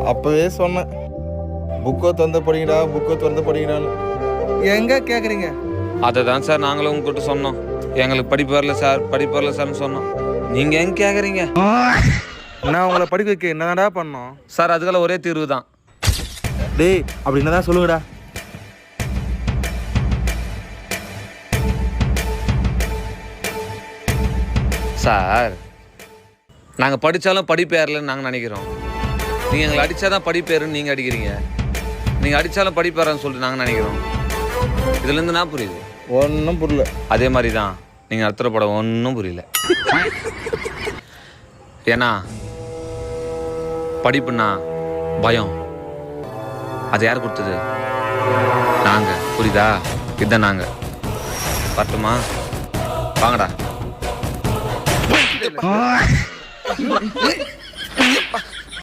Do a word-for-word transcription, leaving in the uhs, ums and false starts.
அப்போவே சொன்னேன், புக்கை திறந்து படிங்கடா, புக்கை திறந்து படிங்கடான்னு. எங்கே கேட்குறீங்க? அதை தான் சார் நாங்களும் உங்ககிட்ட சொன்னோம். எங்களுக்கு படிப்பு வரல சார், படிப்பு வரல சார்னு சொன்னோம். நீங்கள் எங்கே கேட்குறீங்க? நான் உங்களை படிக்க வைக்க என்னடா பண்ணோம் சார்? அதுக்கெல்லாம் ஒரே தீர்வு தான். டேய், அப்படி என்னதான் சொல்லுங்கடா. சார், நாங்கள் படித்தாலும் படிப்பு ஏறலன்னு நாங்கள் நினைக்கிறோம். நீங்கள் எங்களை அடித்தாதான் படிப்பு ஏறுன்னு நீங்கள் அடிக்கிறீங்க. நீங்கள் அடித்தாலும் படிப்பு ஏறன்னு சொல்லிட்டு நாங்கள் நினைக்கிறோம். இதுலேருந்து நான் புரியுது ஒன்றும் புரியல. அதே மாதிரி தான் நீங்கள் நடத்துகிற படம் ஒன்றும் புரியல. ஏன்னா படிப்புன்னா பயம். அது யார் கொடுத்தது? நாங்கள். புரியுதா? இதுதான் நாங்கள். வரட்டுமா? வாங்கடா.